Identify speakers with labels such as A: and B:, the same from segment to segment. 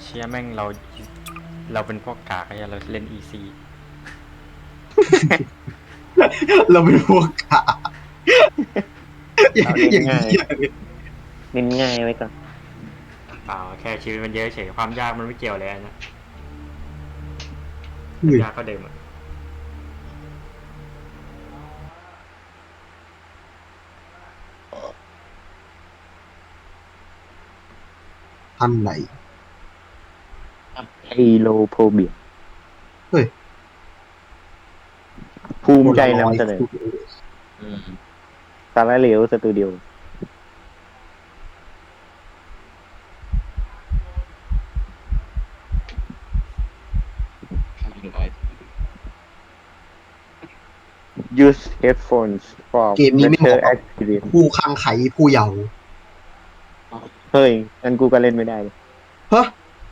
A: เชียแม่งเราเป็นพวกกากไอ้เราเล่นอีซี
B: เราเป็นพวกขาอย่าง
C: เอาเน้น
B: นี้
C: ง่าย
B: เลย
C: เน้นง่ายไว้ก่อน
A: เปล่าแค่ชีวิตมันเยอะเฉยความยากมันไม่เกี่ยวเลยนะ
B: อุ้ย
A: ยากก็เดิมอะ
B: อันไหน
C: ไอโลโพเบีย
B: เฮ้ย
C: ภูมิใจนำเสนอสาระเหลวสตูดิโอ use headphones for
B: เกมนี้ไม่เห
C: better
B: มาะกับ
C: experience
B: ผู้คังไขผู้เยาว์
C: เฮ้ยงั้นกูก็เล่นไม่ได้เลย
B: เฮ้ย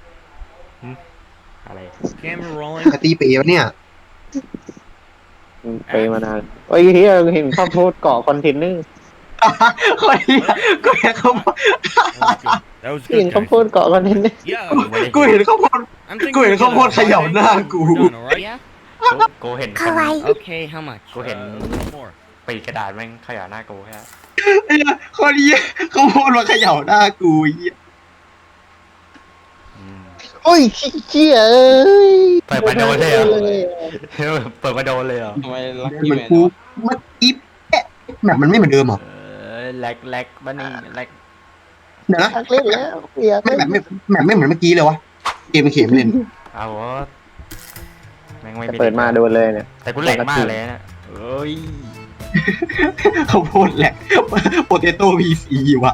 A: อะไร
D: Camera rolling.
B: กตีเป๋วะเนี่ย
C: ไปมานานเฮ้ยเฮียเห็นข้าวโพดเกาะคอนเทนเนอร์
B: คนนี้กูเห็นเขา
D: That was
C: เห็น
D: good,
C: ข้าว
D: guys.
C: โพดเกาะคอนเทนเนอร์
D: Yeah.
B: กูเห็นเขาพน
D: I'm
B: กูเห็นเขาโพสต์เขย่าหน้ากู
D: We're done, all right? Yeah.
A: กูเห็นคน
D: Okay, how much?
A: กูเห็น
D: More.
A: ปีกกระดาษแม่งขยะหน้ากูแค่
B: ไอ้เหี้ยคนนี้เขาโพสต์มาเขย่าหน้ากูไอ้เหี้ย
A: อืม
C: โอ้ยเชี่ยเอ้ย
A: เปิดมาโดนเลยเหรอ เปิดมาโดนเลยเหรอ
E: ทำไมลัก
B: เห
E: กี้
B: มือน
E: แมน
B: กูเมื่อกี้แอะแบบมันไม่เหมือนเดิมเหรอ
A: แลกบ้านี่แลก
B: เดี๋ยวนะ
C: อยากเล่นแล้วอยาก
B: ไม่
C: เล่น
B: แบบไม่เหมือนเมื่อกี้เลยวะเกมเข็มเล่น
A: เอาวะแม่งไม่
C: เปิดมาโดนเลยเนี่ย
A: แต่กูแหลกมากเลยนะเอ้ย
B: เขาโพสต์แหละโปเตโต้พีซีว่ะ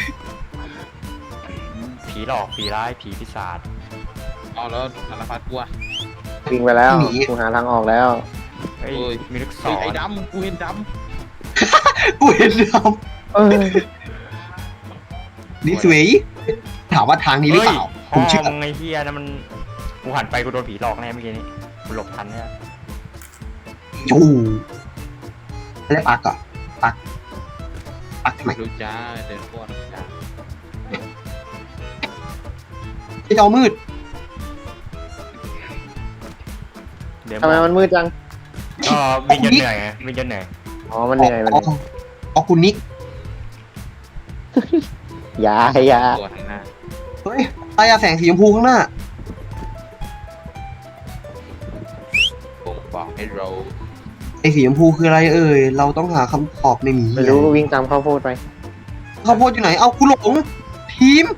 A: ผีหลอกผีร้ายผีปีศาจ
E: เอาแล้วสารพัดกลัว
C: วิ่งไปแล้วกูหาทางออกแล้ว
A: เฮ้ย
E: โอ้ย
A: มีลูกศ
E: เฮ้ย
A: ร
E: ไอ้ดำกูเห็นด
B: กูเห็นแล้ว
C: เอ้ย
B: นี่สวยถามว่าทางนี้หรือเปล่า
A: เฮ้ย
B: ผมเชื่อ
A: พ่อมึงไอ้เฮียนะมันกูหันไปกูโดนผีหลอกแน่เมื่อกี้นี้กูหลบทันเนี่ย
B: จูแล้วปักอ่ะปักทำไม
E: ำดูจ้าเดินก่อนจ้า
B: ไอ้จอมืด
A: เดี๋ยว
C: ทำไมมันมืดจัง
A: ก็วิ่งจนเหนื่อยไงวิ่งจนเหนื่อย
C: อ๋อมันเหนื่อยมันเหนื่อย
B: อ๋อคุณนิก
C: อย่า
E: ตัวทางหน้า
B: เฮ้ยตายาแสงสีชมพูข้างหน้า
E: ผมบอกให้เรา
B: ไอ้สีชมพูคืออะไรเอ่ยเราต้องหาคำตอบในหมี
C: ไม่รู้วิ่งตามข้าวโพดไป
B: ข้าวโพดอยู่ไหนเอากูหลงทีม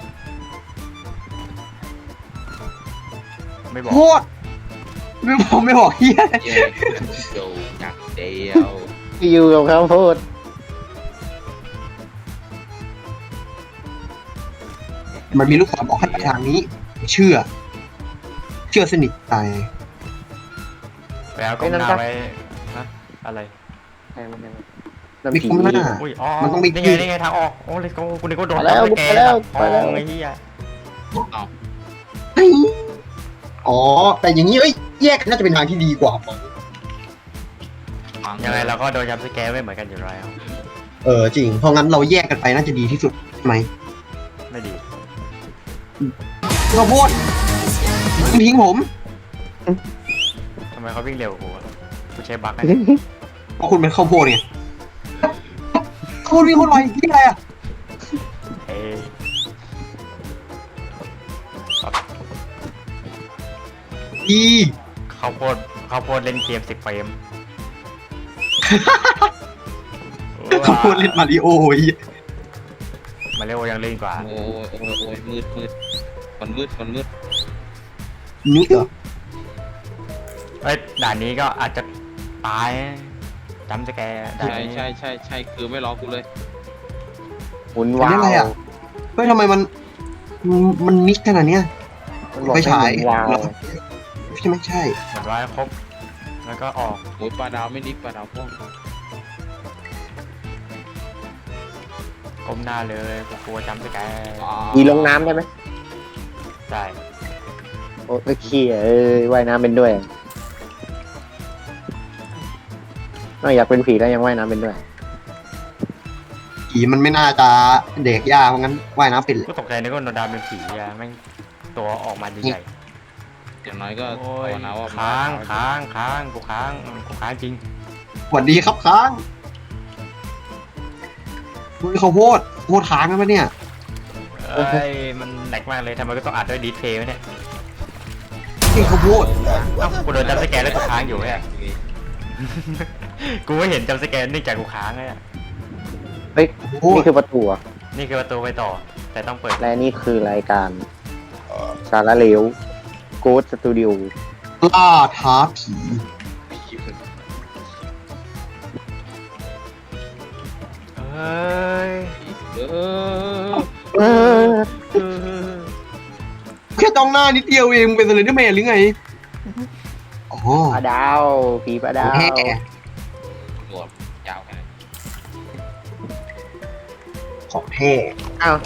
A: ไม่บอก
B: โคตรไม่บอกเฮีย
E: เย้โจยักเดียว
C: อยู่กับข้าวโพด
B: มันมีลูกศรบอกให้ไปทางนี้ เชื่อสนิทใจ
A: ไปเอากล้องหน้าไว้ฮะอะไร
C: ใช่ไหม
B: มีกล้องหน้า
A: อุ้ยอ๋อ
B: มันต้องมี
A: นี่ไงทางออกโอ้เลยกูนึกว่าโดน
C: ไปแล้ว
A: แก
C: ไปแล้ว
A: ท
C: ไปแล้ว
A: องไอ้เหี้ย
B: เฮ้ยอ๋อ แต่อย่างนี้เอ้ยแยกกันน่าจะเป็นทางที่ดีกว่า
A: ยังไงเราก็โดนยับสแกร์ไม่เหมือนกันอยู่แล้ว
B: จริง เพราะงั้นเราแยกกันไปน่าจะดีที่สุดใช่ไหม
A: ไม่ดี
B: ข้าวโพดทิ้งผม
A: ทำไมเขาวิ่งเร็วกว่ากูอะกูใช้บั๊กไง
B: เพราะคุณเป็นข้าวโพดไงข้าวโพดวิ่งคนไวที่อะไรอ่ะ
A: เอ้ย
B: ดี
A: ข้าวโพดเล่นเกม10 เฟรม
B: ข้าวโพดเล่นมาริโอไอ้เหี้ย
A: มาเร็วยังเล่นกว่า
E: โอ้ยโอ้ยโอ้ยมืดมันมืด
B: นุ๊กเหรอ
A: เอ้ยด่านนี้ก็อาจจะตายจำสแกร์ด่าน
E: ใช่
A: นี้
E: ใช่คือไม่รอกูเลย
C: หมุนวา
B: อันนี้อะไร
C: ว
B: อ่ะ เฮ้ยทำไมมันนิดขนาดเนี้ย
C: มันบอก
B: ไม่
C: ให้
B: ฉาย
C: หมุนวาว
B: เหรอ ใช่ไหมใช่
A: เหมือนว่าครบแล้วก็ออก
E: โอ้ยปลาดาวไม่นิกปลาดาวพ่วง
A: ก้มหน้าเลยกูกลัวจำสแกร์
C: มีลงน้ำได้ไหม
A: ใช่
C: โอ้ยเขี้ยว่ายน้ำเป็นด้วยนอกอยากเป็นผีแล้วยังว่ายน้ำเป็นด้วย
B: ผีมันไม่น่าจะเด็กยากเพราะงั้นว่ายน้ำเป็นเลย
A: กูตกใจนึกว่าโนดาเป็นผีอะแม่งตัวออกมาใหญ่
E: อย่างน้อยก็
A: ๆโอ้
E: ภาวย นาว่า
A: ค้างกูค้างจริง
B: สวัสดีครับค้างมึงข้าวโพดค้างกันปะเนี่ย
A: เอ้ยมันแหลกมากเลยทำไมก็ต้องอัดด้วยดีเพย์วะเนี่ย
B: นี่ข้าวโพด
A: เอ้ากูโดนจัมป์สแกนแล้วกูค้างอยู่เนี่ย กูไม่เห็นจัมป์สแกนเนื่องจากกูค้างเลยอะ
C: เฮ้ย
B: ข้าวโพ
C: นี่
B: ด
C: คือประตูอะ
A: นี่คือประตูไปต่อ แต่ต้องเปิด
C: และนี่คือรายการสารเหลวโกดสตูดิโอ
B: ล่าท้าผี
A: เอ้ย
E: เออ
C: เออ
B: แค่จ้องหน้านิดเดียวเองมึงเป็นสเลนเดอร์แมนหรือไงอ๋อ
C: ปลาดาวผีปลาดาว
B: แฮ่
E: หนวดยาวแค่ไหน
B: ของแท้
C: อ้าว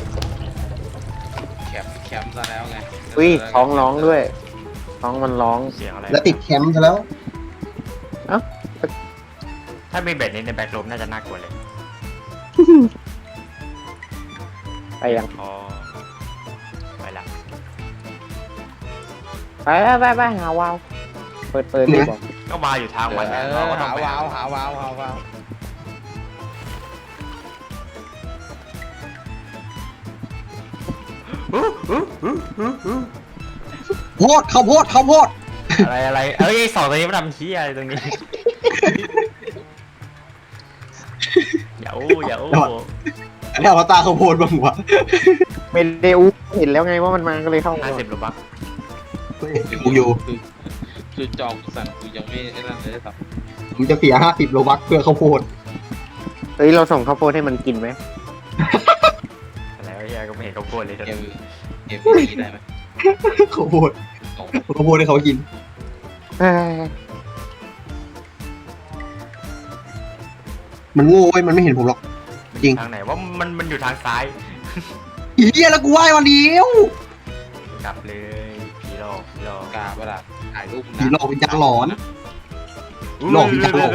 E: แคมป์ซะแล้วไง
C: อุ้ยท้องร้องด้วยท้องมันร้อง
A: เสียงอะไร
B: แล้วติดแคมป์ซะแล้ว
A: ถ้ามีเบ็ดนี้ในแบ็คลมน่าจะน่ากลัวเลย
C: ไปยัง
A: อ๋อไปละ
C: ไปหาวาวเปิดดีกว่า
A: ก็มาอยู่ทางมันนะ
E: เอ
A: เรา
E: อ
A: ก็ต้อง
E: หา
A: ไป
E: วาวหาวาวหาวาว
B: โพดข้าวโพดข้าวโพด
A: อะไรเอ้ยสองตัวนี้มันทำชี้อะไรตรงนี้ อย่าอู้
B: อันนี้อวตารข้าวโพดบ้างวะ
C: ไม่ได้อู้เห็นแล้วไงว่ามันมาก็เลยเข้ามา
A: 50 โลบัค
B: กูอยู่
E: คือจองสั่งกูยังไม่ได้นั่นเลยครับ
B: ผมจะเสีย50 โลบัคเพื่อข้าวโพด
C: เฮ้ยเราส่งข้าวโพดให้มันกินไหม
A: อะไรวะเฮียก็ไม่เห็นเขาโกนเลย
E: เกมนี้ได้ไหม
B: ข้าวโพด
E: โอ้
B: ข้าวโพดให้เขากิน
C: เอ้ย
B: มันโง่เว้ยมันไม่เห็นผมหรอก จริง
A: ทางไหนว่ามันอยู่ทางซ้าย
B: อีเหี้ยแล้วกูไหว้วันเดียว
A: กลับเลยผีหลอก
E: กาเวลาถ่ายรูป
B: ผีหลอกวิญญาณหลอน
A: อุ๊ย
B: หลอกวิญญาณหลอน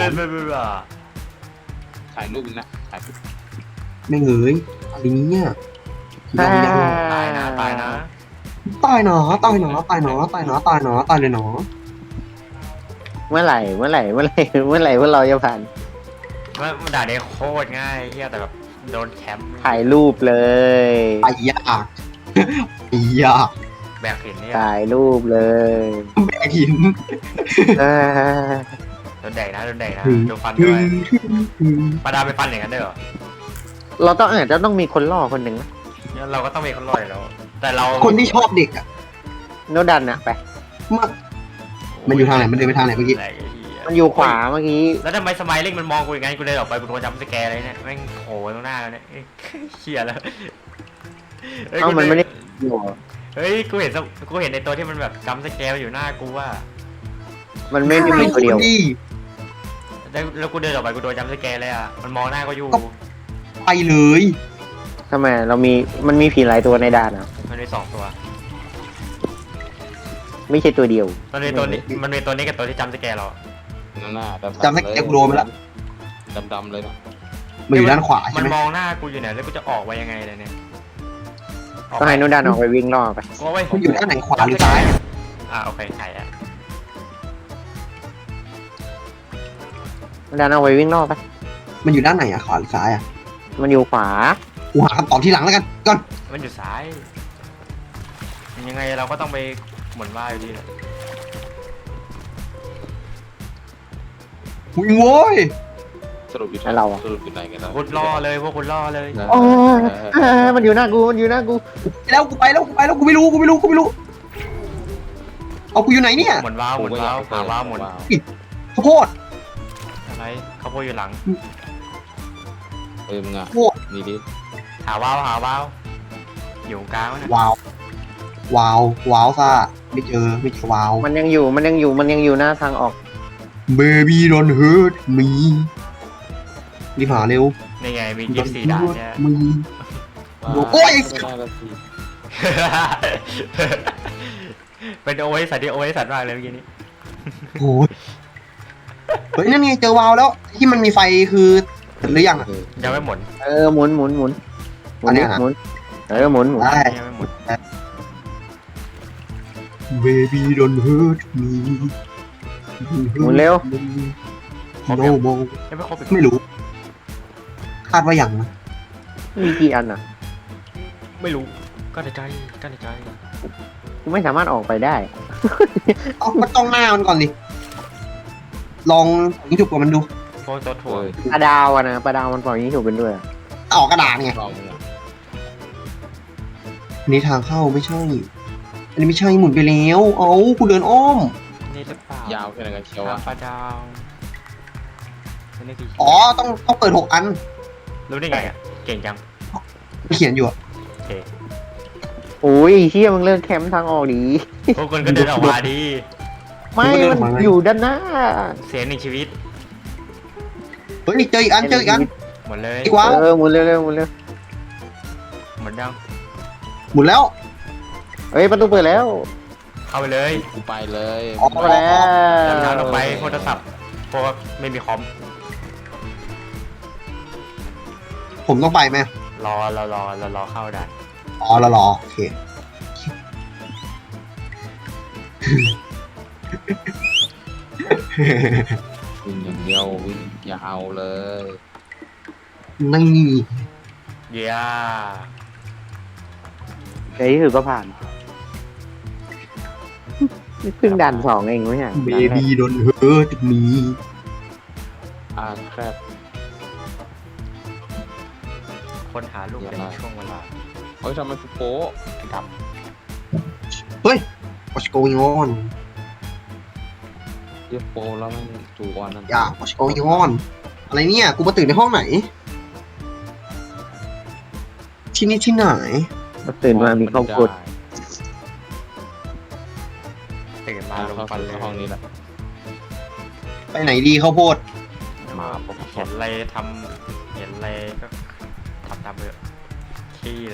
E: ถ่ายรูปนะถ่ายรูป
B: ไม่เงยอะไรเนี้ยผีหลอกวิญญาณหลอน
A: ตายนะ
B: ตายหนอตายหนอตายเลยหนอ
C: เมื่อไหร่พวกเราจะผ่าน
A: มันด่าได้โคตรง่ายเฮียแต่แบบโดนแคมป์
C: ถ่ายรูปเลย
B: ไปยากไปยาก
A: แบกหินเนี่ย
C: ถ่ายรูปเลย
B: แบกหิน
C: เอ้ย
A: โดนแดกนะโดนฟันด้วยปาดาไปฟันอย่างนั้นได้เหรอ
C: เราต้องอาจจะต้องมีคนล่อคนหนึ่งนะ
A: เนี่ยเราก็ต้องมีคนรอดอยู่แล้ว แต่เรา
B: คนที่ชอบเด็กอ่ะ
C: โนดันอะไป
B: มันอยู่ทางไหนมันเดินไปทางไหนเมื่อกี้
A: แหลกไอ้เหี้ย
C: มันอยู่ขวาเมื่อกี้
A: แล้วทำไมสมัยเล่งมันมองกูอย่างงั้นกูเลยออกไปกูโดนจัมป์สแกร์เลยเนี่ยแม่งโผล่ตรงหน้าแล้วเนี่ยเอ้ยเชี่ยแล้วฮ้ย
C: เอ้ามันไม่ได้อยู่
A: เฮ้ยกูเห็นในตัวที่มันแบบจัมป์สแกร์อยู่หน้ากูว่า
C: มันไม่ได้มีตัวเดียว
B: ดี
A: แล้วกูเดินออกไปกูโดนจัมป์สแกร์เลยอ่ะมันมองหน้าก็อยู่
B: ไปเลย
C: ทำไมมันมีผีหลายตัวในด่านอ่ะ
A: มันมี2 ตัว
C: ไม่ใช่ตัวเดียว
A: มันมีตัวนี้กับตัวที่จัมป์สแกร์เรา
E: นั่นน่ะ
B: จำได้แกกูโดนไปแล้ว
E: ดำเลยนะ
B: มันอยู่ด้านขวาใช่
A: มัน
B: ไหม
A: มองหน้ากูอยู่เนี่ยแล้วกูจะออกไปยังไงเลยเนี่ย
C: ต้องให้โนดันออกไปวิ่งล่อไป
A: ก็ไว้
B: มันอยู่ด้านไหนขวาหรือซ้าย
A: โอเคไข่อะ
C: โนดันออกไปวิ่งล่อไป
B: มันอยู่ด้านไหนอะขวาหรือซ้ายอะ
C: มันอยู่ขวา
B: กูหาคำตอบที่หลังแล้วกันก่อน
A: มันอยู่ซ้ายยังไงเราก็ต้องไปหมุนว่าอยู่ดีแหละ
B: วิ่งโว้ย
E: สรุปอยู่ไหนกันแล้ว
A: คุณล่อเลยพวกคุณล่อเลย
C: โอ้ยมันอยู่หน้ากู
B: แล้วกูไปแล้วกูไม่รู้เอากูอยู่ไหนเนี่ย
A: หมุนว้าวหาว้าวหมุน
B: ข้าวโพด
A: อะไรเขาโพดอยู่หลัง
E: มึงอ่ะนี่ดิ
A: หาว้าวอยู่กลางนะ
B: ว้าวซ่าไม่เจอว้าว
C: มันยังอยู่หน้าทางออก
B: Baby don't hurt me รีบหาเร็ว
A: นี่ไงมี24 ด่านเนี่ย
B: มึง
A: เป็นโอเอสัตว์ที่โอเอสัตว์มากเลยเมื่อกี้นี้
B: โอ้ยเฮ้ยนั่นไงเจอวาวแล้วที่มันมีไฟคือหรือยังอะ
A: ยังไม่หมุน
C: หมุน
B: อันเนี้ยนะ
C: หมุน
B: ได้
A: ยังไม่หมุน
B: baby don't hurt me
C: หมุนเร็ว
B: no more
A: ยังไม่ครบอีก
B: ไม่รู้ คาดว่าอย่างนะ
C: มีกี่อันอ่ะ
A: ไม่รู้ก็ในใจก็ในใจ
C: กูไม่สามารถออกไปได้
B: เอาก็ต้องหน้ามันก่อนดิลองยิงจุกกับมันดู
A: โฟตัวถั่ว
E: โอ้ย
C: ปลาดาวอะนะปลาดาวมันปล่อยนี้ถูกเป็นด้วยอะ
B: ออกกระดาษไง
E: ลองเลย
B: อันนี้ทางเข้าไม่ใช่ อันนี้ไม่ใช่หมุนไปแล้วเอากูเดินอ้อม
A: นี่หรือเปล่าย
E: าวแค่ไหนกันเชียว
A: ทา
E: อะ
A: งปลาดาวนี่คือ
B: อ๋อต้องเปิด6 อัน
A: รู้ได้ไงอ่ะเก่งจัง
B: เขียนอยู่อะ
A: โอเค
C: โอ้ยเชี่ยมึงเลิกแคมป์ทางออกดี
A: พวกคนก็เดินออกมาดี
C: ไม่มันอยู่ด้านหน้า
A: เสียงหนึ่งชีวิต
B: เฮ้ยเจออีกอันเจออีกอัน
A: หมดเลย
B: อีกวะ
C: หมุนเร็วๆหมุนเร็ว
A: หมดยัง
B: หมุนแล้ว
C: เฮ้ยประตูเปิดแล้ว
A: เข้าไปเลย
E: กูไปเลย
B: ออก
C: เข้ามาแล้ว
A: ดำน้ำลงไปโทรศัพท์เพราะว่าไม่มีคอม
B: ผมต้องไปไหม
A: รอเข้าได้
B: อ๋อรอโอเค
E: วิ่งอย่างเดียววิ่งยาวเลย
B: นี่
A: เย้
C: ในที่สุดก็ผ่านนี่เพิ่งด่านสองเองไม่ใช่
B: เบบี้โดนเฮิร์ตมี
E: อ่านแคบ
A: ค้นหาลูกในช่วงเวลา
E: เฮ้ยทำไมกูโป๊ะ
A: ด
B: what's going on
E: เรียกโป๊ะแล้วมันจูออนนั่น
B: อย่า what's going on อะไรเนี่ย กูมาตื่นในห้องไหน ที่นี่ที่ไหน
C: ตื่นมามีข้าวกด
A: ตื่นมาลง
E: เข้า
A: ฟัน
E: สู่
A: เลย
E: ห้องนี้แหละ
B: ไปไหนดีข้าวโพด
E: มาปุ๊บ
A: เห็นอะไรทำเห็นอะไรก็ทำตามเถอะขี้เลย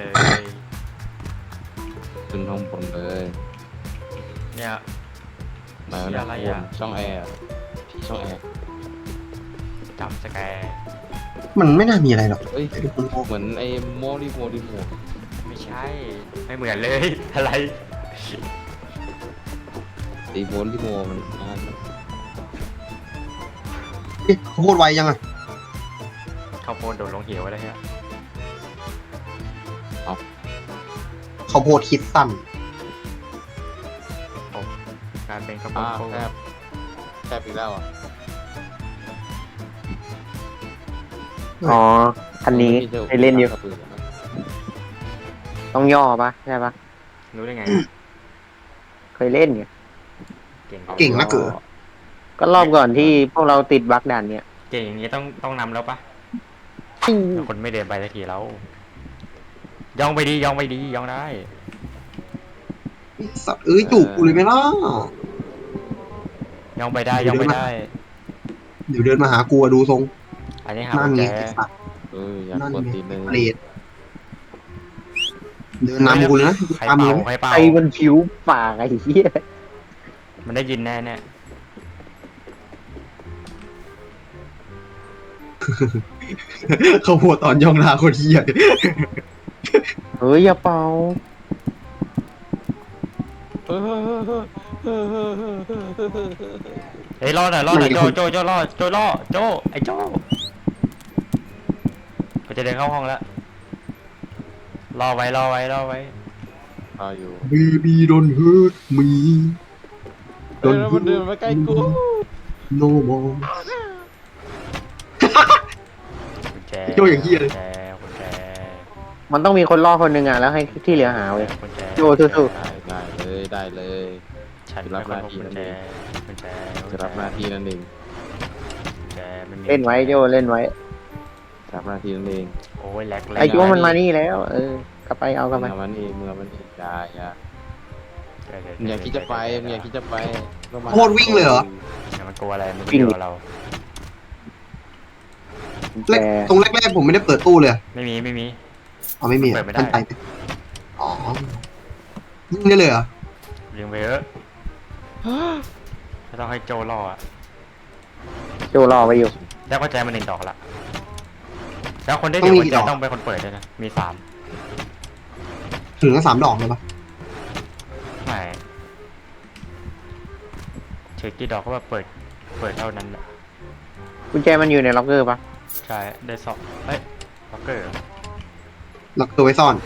E: ขึ้นห้องบนเลย
A: เนี่ย
E: ไหนวะ
A: อะไร
E: เนี่ย
A: อะ
E: ช่องแอร์ที่ช่องแอร์
A: จำสแกร์
B: มันไม่น่ามีอะไรหรอก
E: เอ้ย
B: เดี๋ยวดูคุณ
E: เหมือนไอ้โมดิโม
A: ไม่ใช่ ไม่เหมือนเลย อะไร
E: ไอ้โมดิโมมันอ่าน
B: เอ๊ะข้าวโพดไวยังอะ
A: ข้าวโพดโดนลงเหวอะไรเงี้ย
B: ข้าวโพดคิดสั้น
A: กลายเป็นข้าวโพ
E: อ่า
A: ดโค้ง
E: แคบอีกแล้วอ่ะ
C: อ๋อคันนี้ไปเล่นอยู่ต้องย่อปะใช่ปะ
A: รู้ได้ไง
C: เคยเล่นไง
A: เก่ง
B: เก่งนะเก๋อ
C: ก็รอบก่อนที่พวกเราติดบั๊กด่านเนี่ย
A: เก่งอย่างนี้ต้องนำแล้วปะคนไม่เดินไปสักทีแล้วย่องไปดีย่องไปดีย่องได้
B: สัตว์เอ้ยจูบกูเลยไหมล่ะ
A: ย่องไปได้ย่องไปได้
B: เดี๋ยวเดินมาหากูอะดูทรง
A: อันนี้หา
B: นั่น
A: กุญ
B: ไง
A: แจ
B: ไอ้สัตว์
E: อยาก
B: นั่น
E: กด
B: ไง
E: ตีนเลย
B: เปรตเดินนำกูเลยนะ
A: ใคร
B: ตาม
A: เป่า
B: เลย
A: ใครเป่า
C: ไอ้มันผิวปากไอ้เหี้ย
A: มันได้ยินแน่เนี่ย
B: เขาพูดตอนย่องลาคนเหี้ย
C: เฮ้ยอย่าเป่า
A: เฮ้ยรอหน่อยรอหน่อยโจรอโจไอ้โจก็จะเดินเข้าห้องแล้วรอไว้
E: รออยู่
B: Baby don't hurt me
E: เฮ้ยแล้วมันเดินมาใกล้กู
B: no more
A: กุญแจ
B: โจอย่างเหี้ยเลย
A: กุญแจ
C: มันต้องมีคนล่อคนหนึ่งอ่ะแล้วให้ที่เหลือหาเว้ย
A: กุญแจ
C: โจสู้
E: ได้เลย
A: ฉันเป็นคนพบกุญแจกุญแจ
E: จะรับหน้าที่นั่นเอง
A: กุญแจมันมี
C: เล่นไว้โจเล่นไว้
E: รับหน้าที่นั่นเอง
A: โอ้ยแหลกเลย
C: ไอ้โจมันมานี่แล้ว กลับไปเอากลับไป
E: เมื่อมันเองได้อะมึงอยากคิดจะไปมึงอยากคิดจะไปก็มา
B: โคตรวิ่งเลยเหรอ
A: มันกลัวอะไรมันไม่กลัวเรา
B: แรกตรงแรกๆผมไม่ได้เปิดตู้เลย
A: ไม่มี
B: อ๋อไม่มี
A: เปิดไม่ได้
B: ท่านไปอ๋อยิงได้เลยเหรอ
A: เลี้ยงไปเถอะถ้าต้องให้โจรออ่ะ
C: โจรอไว้อยู่
A: แล้วก็แจมันหนึ่งดอกละแล้วคนได้เดี๋ยวกุญแจต้องเป็นคนเปิดด้วยนะมีสาม
B: ถึงทั้ง3 ดอกเลยปะ
A: ไม่เช็คกี่ดอกก็แบบเปิดเท่านั้นแหละ
C: กุญแจมันอยู่ในล็อกเกอร์ปะ
A: ใช่ได้สองเอ้ยล็อกเกอร์
B: ล็อกตัวไว้ซ่อน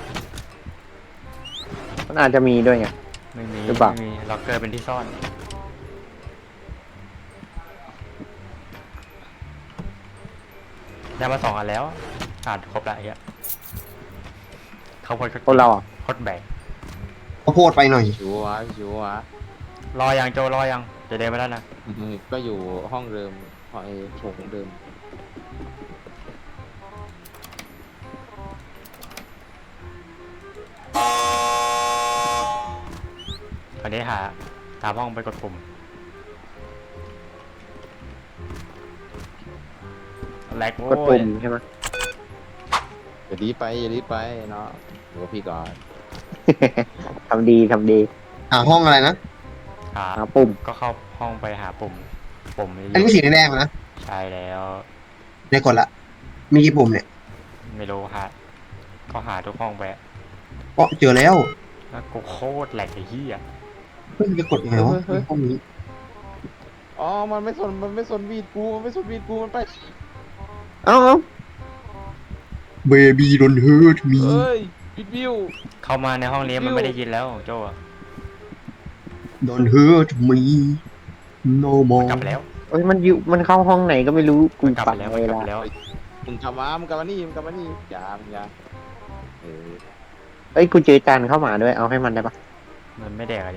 C: มันอาจจะมีด้วยไง
A: ไม่มี
C: หรือเปล่า
A: ไม่มีล็อกเกอร์เป็นที่ซ่อนได้มา2 อันแล้วอ่านครบละไอ้เหี้ยเขาพด
C: คนเราอ่ะ
A: โคตรแบก
B: ข้าวโพดไปหน่อย
E: ชัวร์ชัวร์
A: รอยังโจรอยังจะเดินไปแล้วนะ
E: ก็อยู่ห้องเดิมห้องไอ้โถงเดิม
A: คราวนี้หาตามห้องไปกดปุ่มแลกโว้
C: กดปุ่
A: ย
C: มใช่ไหม
E: อย่ารีบไปอย่ารีบไปเนาะเดี๋ยวพี่ก่อน
C: ทำดีทำดี
B: หาห้องอะไรนะ
A: หา
C: หาปุ่ม
A: ก็เข้าห้องไปหาปุ่มนี้
B: อันนี้สีแดงๆนะ
A: ใช่แล้ว
B: ได้กดละ มีกี่ปุ่มเนี่ย
A: ไม่รู้ก็หาทุกห้องไป
B: อ๋อเจอแล้ว
A: แล้วกูโคตรแหลกไอ้เหี้ย
B: เฮ้ยจะกดยังไงวะห้องนี้
E: อ๋อมันไม่สนวีดกูมันไม่สนวีดกูมันไป
C: เอ้า
B: Baby don't hurt me
E: เอ้ยวิดวิว
A: เข้ามาในห้องนี้มันไม่ได้ยินแล้วโจอะ
B: don't hurt me no
A: มัน
B: more
A: กลับไปแล้ว
C: เอ้ยมันเข้าห้องไหนก็ไม่รู้กู
A: มันกลับ
C: ปั
A: ไป
C: ด
A: แล้ว
C: เว
A: มันกลับ
C: ลา
A: ไปแล้ว
E: มึงกลับมานี่อย่าเออ
C: เอ้ยกูเจอจานเข้ามาด้วยเอาให้มันได้ปะ
A: มันไม่แดกอะไร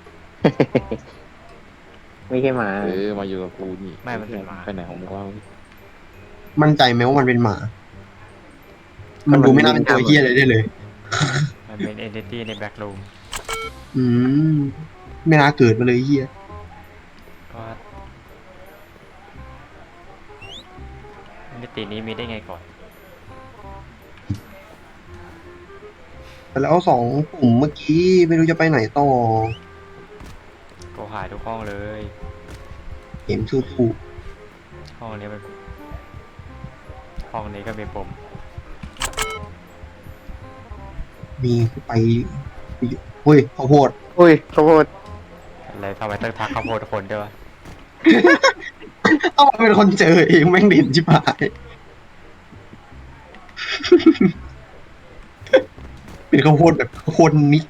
C: ไม่ใช่หมา
E: มาอยู่กับกูนี่
A: ไม่มันเป็นหมา
E: ไปไหนของมึงวะ
B: มั่นใจไหมว่ามันเป็นหมา มันดูไม่น่าเป็นตัวเฮียอะไรได้เลย
A: มันเป็นเอนติตี้ในแบ็กรูม
B: อืม ไม่น่าเกิดมาเลยเฮีย
A: ก็เอนติตี้นี้มีได้ไงก่อน
B: แล้ว2 ปุ่มเมื่อกี้ไม่รู้จะไปไหนต่อ
A: ก็หาทุกห้องเลย
B: เห็นสู้
A: ห้องนี้เป็นห้องนี้ก็มีปุ่ม
B: มีไปเฮ้ยข้าวโพด
C: อุ้ยข้าวโพด
A: อะไรทำไมต้องทักข้าวโพดคนด้วยวะ
B: เอามาเป็นคนเจอเองแม่งเด่นชิบหาย เป็นข้าวโพดแบบข้าวโพดนิด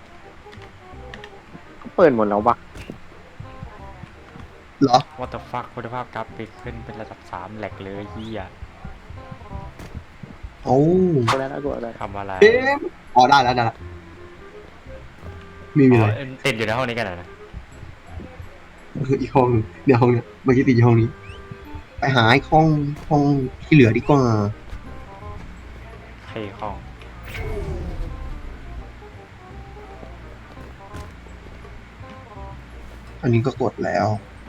C: เปิดหมดแล้วปะ
B: เหรอ
A: ว่าแต่ฟักคุณภาพกราฟิกขึ้นเป็นระดับ3แหลกเลยเฮีย
B: โอ้
C: กูแล้วนะกูแล้ว
A: ทำอะไร
B: เอ๊ะอ๋อได้แล้วมีอะไร
A: อ๋อติดอยู่ในห้องนี้กันเหรอนะ
B: อีกห้องหนึ่งเนี่ยห้องเนี้ยเมื่อกี้ติดอยู่ห้องนี้ ไปหาไอ้ห้องที่เหลือดีกว่า
A: ใครห้อง
B: อันนี้ก็กดแล้ว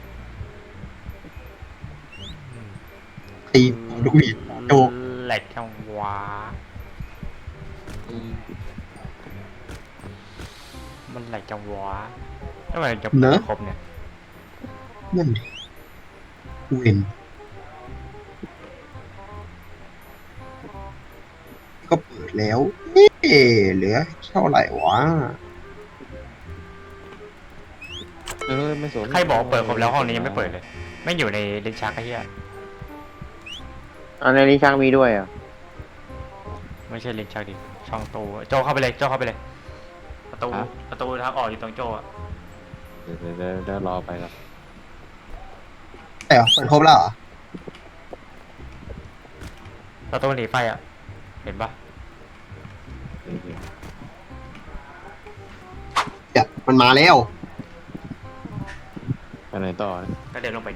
B: ตีลูกหวีดโจก
A: แหลกจังหวะมันแหลกจังหวะทำไมจะเปิดครบเนี่ย
B: นั่นดิเวนก็เปิดแล้ว เอ๊ะเหลือเท่าไหร่วะ
E: ไม่สน
A: ใครบอกเปิดครบแล้วห้องนี้ยังไม่เปิดเลย ไม่อยู่ในลิ้นชักไอ้เหี้ย
C: อันนี้ช่างมีด้วยอ่ะ
A: ไม่ใช่ลิ้นชักดิช่องตู้โจเข้าไปเลยโจเข้าไปเลย ประตูทางออกอยู่ตรงโจอะ
E: เดี๋ยวรอไปครับ
B: แต่เปิดครบแล้วเหรอ
A: ประตูหนีไฟอะเห็นปะ
B: เดี๋ยวมันมาแล้ว
E: ไปไหนต่อนะ
A: ก็เดินลงไปดิ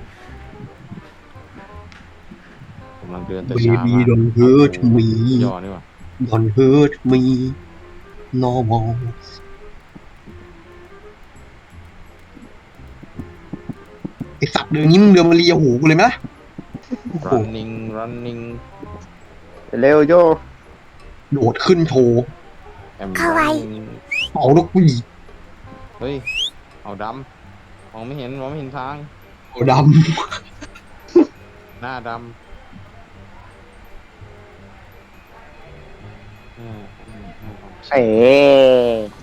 E: กำลังเดินแต่ช้า
B: Baby don't hurt me
E: ย่อนี่ว่ะ
B: don't hurt me no more ไอสัตว์เดินงี้มึงเดินมาเลียหูกูเลยไหมล่ะ
E: running
C: เร็วโจ
B: โดดขึ้นโชว์
E: เข้าไป
B: เอาลูกผู้หญิง
E: เฮ้ยเอาดำมองไม่เห็นทาง
B: เอาด
E: หน้าดำ
C: เอ๋